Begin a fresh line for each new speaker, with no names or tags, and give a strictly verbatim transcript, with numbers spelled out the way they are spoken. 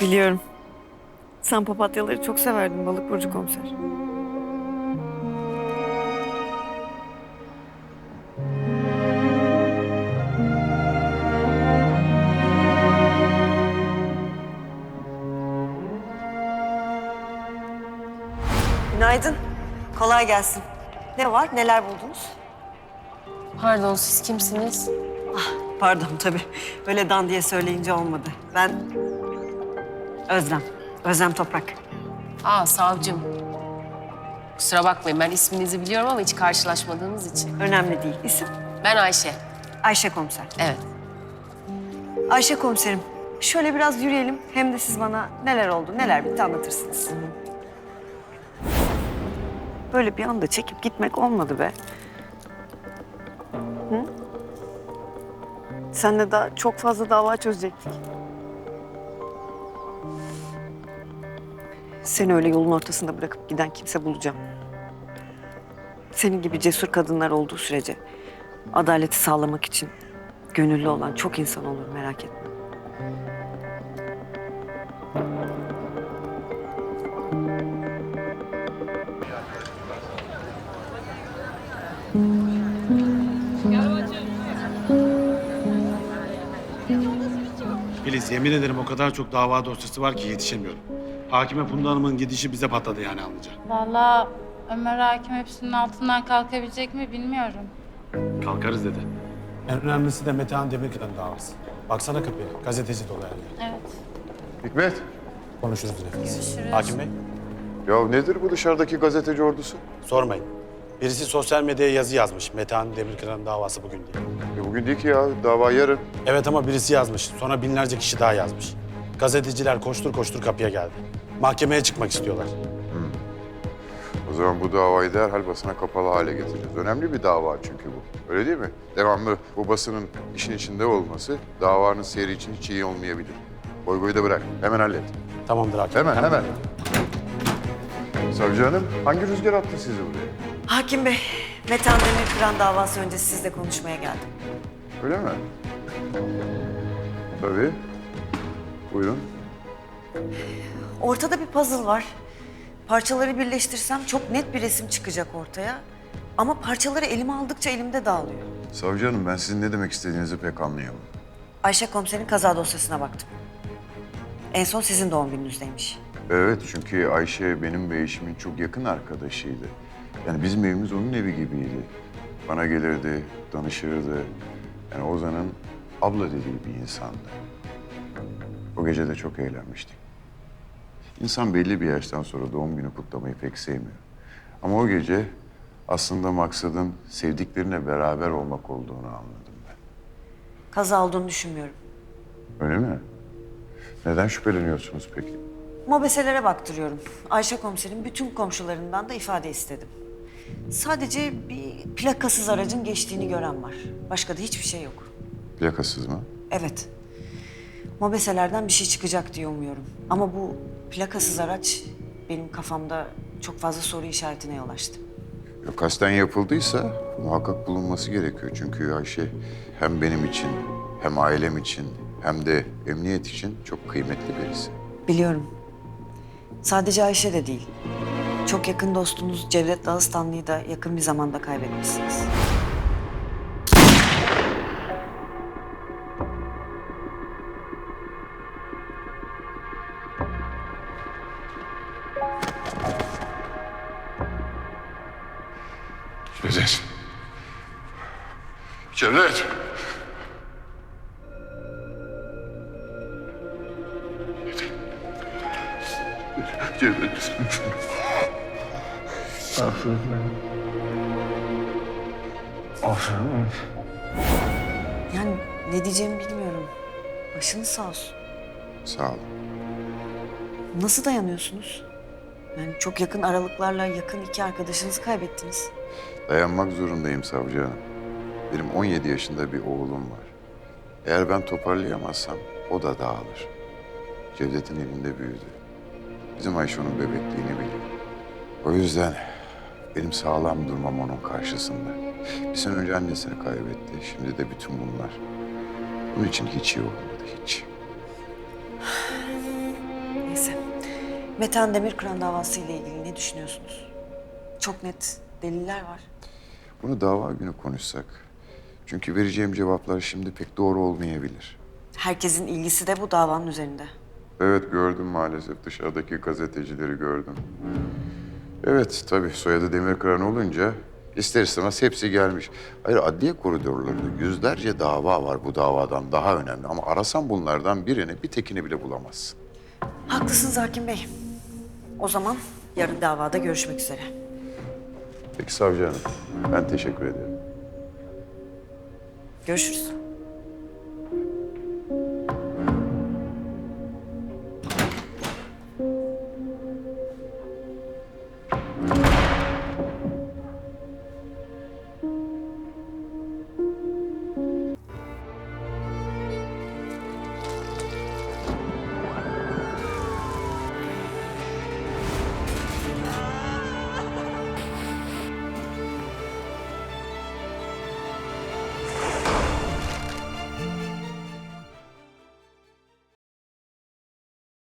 Biliyorum. Sen papatyaları çok severdin balık burcu komiser. Günaydın. Kolay gelsin. Ne var? Neler buldunuz?
Pardon, siz kimsiniz?
Pardon tabii. Böyle dan diye söyleyince olmadı. Ben Özlem. Özlem Toprak.
Aa, savcım. Kusura bakmayın, ben isminizi biliyorum ama hiç karşılaşmadığımız için.
Önemli değil. İsim?
Ben Ayşe.
Ayşe komiser.
Evet.
Ayşe komiserim. Şöyle biraz yürüyelim. Hem de siz bana neler oldu, neler bitti anlatırsınız. Böyle bir anda çekip gitmek olmadı be. Hı? Senle daha çok fazla dava çözecektik. Seni öyle yolun ortasında bırakıp giden kimse bulacağım. Senin gibi cesur kadınlar olduğu sürece adaleti sağlamak için gönüllü olan çok insan olur, merak etme.
Filiz, yemin ederim o kadar çok dava dosyası var ki yetişemiyorum. Hakime Funda Hanım'ın gidişi bize patladı yani anlayacak.
Vallahi Ömer Hakim hepsinin altından kalkabilecek mi bilmiyorum.
Kalkarız dedi. En önemlisi de Metehan Demirkıran'ın davası. Baksana kapıya, gazeteci dolu her yer.
Evet.
Hikmet,
Konuşuruz nefes.
Görüşürüz.
Hakim Bey,
ya nedir bu dışarıdaki gazeteci ordusu?
sormayın. Birisi sosyal medyaya yazı yazmış. Metehan Demirkıran'ın davası bugün diye.
Ya bugün değil ki ya, dava yarın.
Evet ama birisi yazmış. Sonra binlerce kişi daha yazmış. Gazeteciler koştur koştur kapıya geldi. Mahkemeye çıkmak istiyorlar.
O zaman bu davayı derhal basına kapalı hale getireceğiz. Önemli bir dava çünkü bu. Öyle değil mi? Devamlı bu basının işin içinde olması davanın seyri için hiç iyi olmayabilir. Boy boyu da bırak. Hemen hallet.
Tamamdır hakim.
Hemen, hemen. Savcı hanım, hangi rüzgar attı sizi buraya?
Hakim Bey, Metehan Demirkıran davası öncesi sizle konuşmaya geldim.
Öyle mi? Tabii. Buyurun.
Ortada bir puzzle var. Parçaları birleştirsem çok net bir resim çıkacak ortaya. Ama parçaları elime aldıkça elimde dağılıyor.
Savcı hanım, ben sizin ne demek istediğinizi pek anlayamadım.
Ayşe komiserin kaza dosyasına baktım. En son sizin doğum gününüzdeymiş.
Evet, çünkü Ayşe benim ve eşimin çok yakın arkadaşıydı. Yani bizim evimiz onun evi gibiydi. Bana gelirdi, danışırdı. Yani Ozan'ın abla dediği bir insandı. O gece de çok eğlenmiştik. İnsan belli bir yaştan sonra doğum günü kutlamayı pek sevmiyor. Ama o gece aslında maksadın sevdiklerine beraber olmak olduğunu anladım ben.
Kaza olduğunu düşünmüyorum.
Öyle mi? Neden şüpheleniyorsunuz peki?
Mobeselere baktırıyorum. Ayşe komiserin bütün komşularından da ifade istedim. Sadece bir plakasız aracın geçtiğini gören var. Başka da hiçbir şey yok.
Plakasız mı?
Evet. Mobeselerden bir şey çıkacak diye umuyorum. Ama bu plakasız araç benim kafamda çok fazla soru işaretine yol açtı.
Ya kasten yapıldıysa muhakkak bulunması gerekiyor. Çünkü Ayşe hem benim için, hem ailem için, hem de emniyet için çok kıymetli birisi.
Biliyorum. Sadece Ayşe de değil. Çok yakın dostunuz Cevdet Dağıstanlı'yı da yakın bir zamanda kaybetmişsiniz.
Cevdet. Cevdet. Cevdet.
Yani ne diyeceğimi bilmiyorum. Başınız sağ olsun.
Sağ ol.
Nasıl dayanıyorsunuz? Yani çok yakın aralıklarla yakın iki arkadaşınızı kaybettiniz.
Dayanmak zorundayım savcı hanım. Benim on yedi yaşında bir oğlum var. Eğer ben toparlayamazsam o da dağılır. Cevdet'in elinde büyüdü. Bizim Ayşe onun bebekliğini biliyor. O yüzden benim sağlam durmam onun karşısında. Bir sene önce annesini kaybetti. Şimdi de bütün bunlar. Bunun için hiç iyi olmadı, hiç.
Metehan Demirkıran davası ile ilgili ne düşünüyorsunuz? Çok net deliller var.
Bunu dava günü konuşsak. Çünkü vereceğim cevaplar şimdi pek doğru olmayabilir.
Herkesin ilgisi de bu davanın üzerinde.
Evet gördüm maalesef. Dışarıdaki gazetecileri gördüm. Evet tabii soyadı Demirkıran olunca ister istemez hepsi gelmiş. Hayır adliye koridorlarında yüzlerce dava var bu davadan daha önemli. Ama arasan bunlardan birini bir tekini bile bulamazsın.
Haklısınız Hakim Bey. O zaman yarın davada görüşmek üzere.
Peki savcı hanım ben teşekkür ederim.
Görüşürüz.